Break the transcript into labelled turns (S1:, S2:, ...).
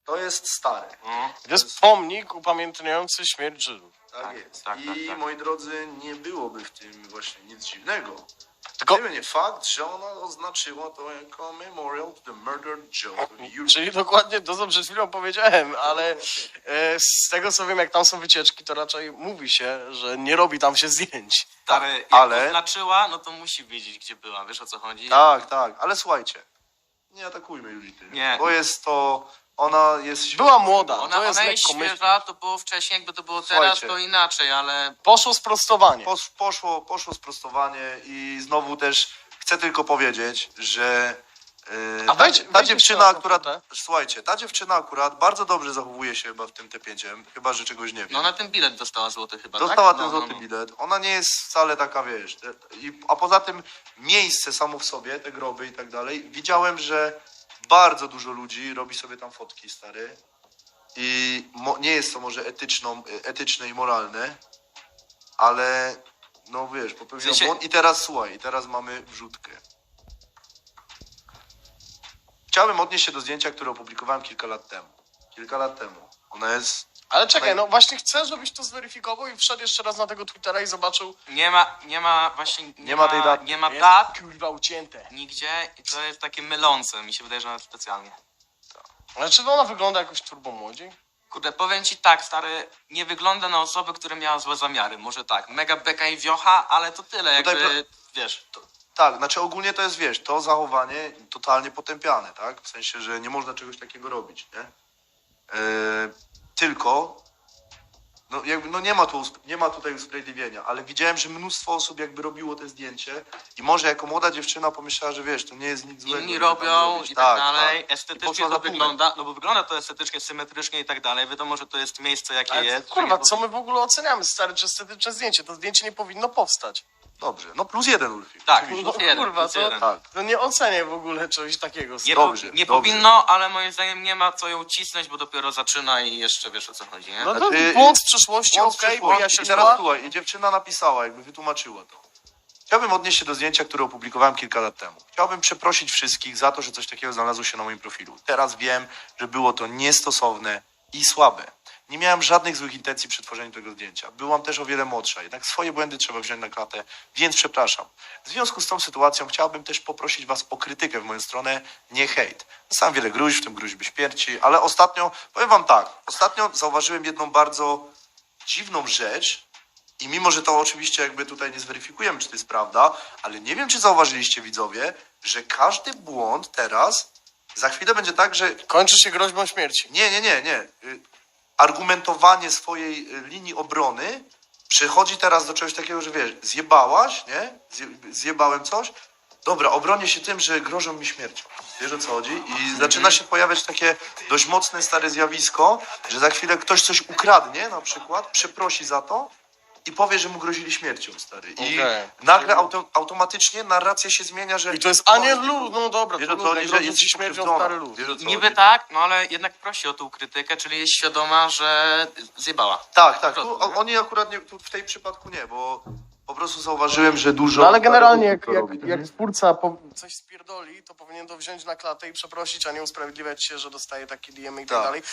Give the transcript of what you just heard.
S1: To jest stare.
S2: To jest pomnik upamiętniający śmierć Żydów.
S1: Tak jest.
S3: tak,
S1: I
S3: tak.
S1: moi drodzy, nie byłoby w tym właśnie nic dziwnego.
S2: Tylko,
S1: Gdyby nie fakt, że ona oznaczyła to jako Memorial to the Murdered Jews of Europe.
S2: czyli dokładnie to, co przed chwilą powiedziałem, ale z tego co wiem, jak tam są wycieczki, to raczej mówi się, że nie robi tam się zdjęć.
S3: Ale jak
S1: ale-
S3: oznaczyła, no to musi wiedzieć, gdzie była. Wiesz, o co chodzi?
S1: Tak, tak, ale słuchajcie, nie atakujmy Julity,
S3: Nie.
S1: bo jest to, ona jest...
S2: Była młoda,
S3: Ona,
S2: to jest
S3: ona jest
S2: lekko myśl.
S3: świeża, to było wcześniej, jakby to było teraz,
S1: Słuchajcie.
S3: to inaczej, ale...
S2: Poszło sprostowanie.
S1: Poszło sprostowanie i znowu też chcę tylko powiedzieć, że
S2: A wejdź
S1: ta
S2: jeszcze
S1: dziewczyna
S2: na tą
S1: akurat,
S2: fotę.
S1: słuchajcie, ta dziewczyna akurat bardzo dobrze zachowuje się chyba w tym T5, chyba że czegoś nie wiem.
S3: No na ten bilet dostała złoty chyba,
S1: Dostała
S3: tak?
S1: ten złoty bilet. Ona nie jest wcale taka, wiesz. A poza tym miejsce samo w sobie, te groby i tak dalej, widziałem, że bardzo dużo ludzi robi sobie tam fotki, stary. I nie jest to może etyczne i moralne, ale no wiesz, popełnił
S3: W sensie-
S1: błąd. I teraz słuchaj, teraz mamy wrzutkę. Chciałbym odnieść się do zdjęcia, które opublikowałem kilka lat temu. Ona jest...
S2: Ale czekaj, no właśnie chcę, żebyś to zweryfikował i wszedł jeszcze raz na tego Twittera i zobaczył.
S3: Nie ma właśnie...
S1: Nie ma tej daty.
S3: Nie ma
S2: Jest,
S3: dat
S2: kurwa, ucięte.
S3: nigdzie i to jest takie mylące. Mi się wydaje, że nawet specjalnie.
S2: Ale czy ona wygląda jakoś turbo młodziej?
S3: Kurde, powiem ci tak, stary, nie wygląda na osobę, która miała złe zamiary. Może tak, mega beka i wiocha, ale to tyle,
S1: Tutaj
S3: jakby, wiesz...
S1: Tak, znaczy ogólnie to jest, wiesz, to zachowanie totalnie potępiane, tak? W sensie, że nie można czegoś takiego robić, nie? Tylko, no jakby, no nie ma tutaj usprawiedliwienia, ale widziałem, że mnóstwo osób jakby robiło te zdjęcie i może jako młoda dziewczyna pomyślała, że wiesz, to nie jest nic złego.
S3: Inni
S1: żeby tam
S3: robią
S1: zrobić.
S3: i tak dalej,
S1: I
S3: estetycznie
S1: poszła
S3: to
S1: za tłumem.
S3: wygląda, no bo wygląda to estetycznie, symetrycznie i tak dalej, wiadomo, że to jest miejsce jakie
S2: Ale
S3: jest.
S2: kurwa,
S3: że nie
S2: co my w ogóle oceniamy, stary, czy estetyczne zdjęcie? To zdjęcie nie powinno powstać.
S1: Dobrze, no +1 Ulfik.
S3: Tak,
S1: oczywiście.
S2: No
S3: plus jeden,
S2: kurwa,
S3: plus jeden.
S1: Tak.
S2: To nie ocenię w ogóle czegoś takiego.
S3: Nie,
S1: Dobrze,
S3: nie
S1: dobrze.
S3: powinno, ale moim zdaniem nie ma co ją cisnąć, bo dopiero zaczyna i jeszcze wiesz o co chodzi, nie?
S2: No to
S1: Znaczy,
S2: błąd z przeszłości,
S1: Błąd
S2: okej,
S1: przyszło-
S2: bo ja się
S1: I teraz słuchaj, i dziewczyna napisała, jakby wytłumaczyła to. Chciałbym odnieść się do zdjęcia, które opublikowałem kilka lat temu. Chciałbym przeprosić wszystkich za to, że coś takiego znalazło się na moim profilu. Teraz wiem, że było to niestosowne i słabe. Nie miałem żadnych złych intencji przy tworzeniu tego zdjęcia. Byłam też o wiele młodsza, jednak swoje błędy trzeba wziąć na klatę, więc przepraszam. W związku z tą sytuacją chciałbym też poprosić was o krytykę w moją stronę, nie hejt. Dostałem wiele gruźb, w tym gruźby śmierci, ale ostatnio, powiem wam tak, ostatnio zauważyłem jedną bardzo dziwną rzecz i mimo, że to oczywiście jakby tutaj nie zweryfikujemy, czy to jest prawda, ale nie wiem, czy zauważyliście widzowie, że każdy błąd teraz, za chwilę będzie tak, że
S2: kończy się groźbą śmierci.
S1: nie. Argumentowanie swojej linii obrony przechodzi teraz do czegoś takiego, że wiesz, zjebałaś, nie? Zjebałem coś. Dobra, obronię się tym, że grożą mi śmiercią. Wiesz o co chodzi? I zaczyna się pojawiać takie dość mocne, stare zjawisko, że za chwilę ktoś coś ukradnie na przykład, przeprosi za to i powie, że mu grozili śmiercią, stary. I
S2: Okej.
S1: nagle automatycznie narracja się zmienia, że...
S2: I to jest aniel luz, no dobra,
S1: Wiesz
S2: to
S1: o co chodzi,
S2: luz,
S1: że
S2: grozi
S1: jest
S2: ci śmiercią
S1: pokrzywdzona.
S2: stary luz.
S1: Wiesz o co
S3: Niby
S1: chodzi?
S3: tak, no ale jednak prosi o tą krytykę, czyli jest świadoma, że zjebała.
S1: Tak.
S3: Po
S1: Tu,
S3: prostu, nie?
S1: oni akurat nie, tu w tej przypadku nie, bo po prostu zauważyłem, że dużo...
S2: No ale generalnie
S1: osób to robi.
S2: jak twórca coś spierdoli, to powinien to wziąć na klatę i przeprosić, a nie usprawiedliwiać się, że dostaje takie DM i tak
S1: Tak.
S2: dalej.